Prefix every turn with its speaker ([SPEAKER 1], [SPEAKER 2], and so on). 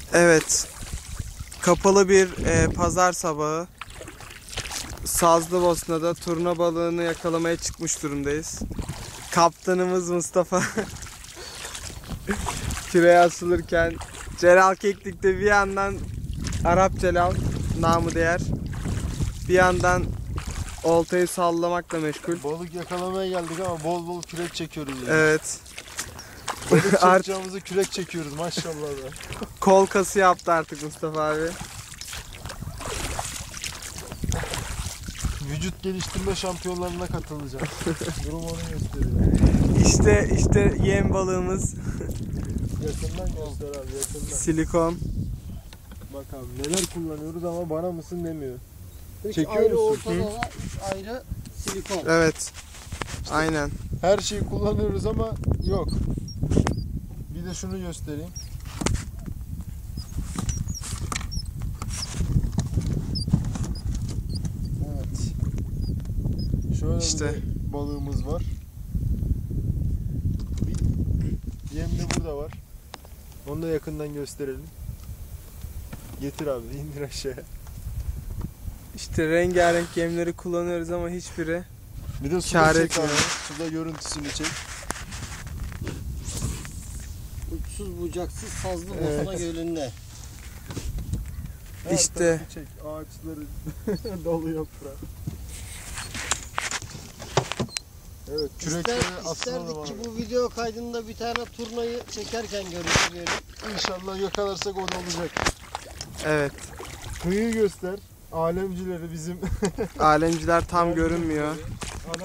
[SPEAKER 1] Evet. Kapalı bir pazar sabahı. Sazlıbosna'da turna balığını yakalamaya çıkmış durumdayız. Kaptanımız Mustafa küreye asılırken Celal Keklik de bir yandan Arap Celal namı değer, bir yandan oltayı sallamakla meşgul.
[SPEAKER 2] Balık yakalamaya geldik ama bol bol kürek çekiyoruz. Yani.
[SPEAKER 1] Evet.
[SPEAKER 2] Balık çekeceğimizi kürek çekiyoruz maşallah da.
[SPEAKER 1] Kol kası yaptı artık Mustafa abi.
[SPEAKER 2] Vücut geliştirme şampiyonlarına katılacağım. Durum onu gösteriyor.
[SPEAKER 1] İşte yem balığımız.
[SPEAKER 2] Yakından göster abi, yakından.
[SPEAKER 1] Silikon.
[SPEAKER 2] Bak abi neler kullanıyoruz ama bana mısın demiyor.
[SPEAKER 3] Çekiyor
[SPEAKER 2] Çekiyor
[SPEAKER 3] ayrı
[SPEAKER 2] musun?
[SPEAKER 3] ortalama, 3 ayrı silikon.
[SPEAKER 1] Evet. Aynen.
[SPEAKER 2] Her şeyi kullanıyoruz ama yok. Bir de şunu göstereyim. Evet. Şöyle
[SPEAKER 1] İşte.
[SPEAKER 2] bir balığımız var. Bir yem de burada var. Onu da yakından gösterelim. Getir abi, indir aşağıya.
[SPEAKER 1] İşte rengarenk yemleri kullanıyoruz ama hiçbiri
[SPEAKER 2] Bir de
[SPEAKER 1] kâr
[SPEAKER 2] suda çek abi.
[SPEAKER 1] etmiyor.
[SPEAKER 2] Suda görüntüsünü çek.
[SPEAKER 3] Uçsuz bucaksız Sazlıbosna
[SPEAKER 2] Evet.
[SPEAKER 3] Gölü'nde.
[SPEAKER 2] Her
[SPEAKER 1] İşte.
[SPEAKER 2] tarafı çek. Ağaçları dolu yaprağı. Evet, kürekleri asılalım
[SPEAKER 3] İsterdik ki
[SPEAKER 2] abi.
[SPEAKER 3] bu video kaydında bir tane turnayı çekerken görüntüleyelim.
[SPEAKER 2] İnşallah yakalarsak o da olacak.
[SPEAKER 1] Evet.
[SPEAKER 2] Kıyıyı göster. Alemcileri bizim.
[SPEAKER 1] Alemciler tam görünmüyor.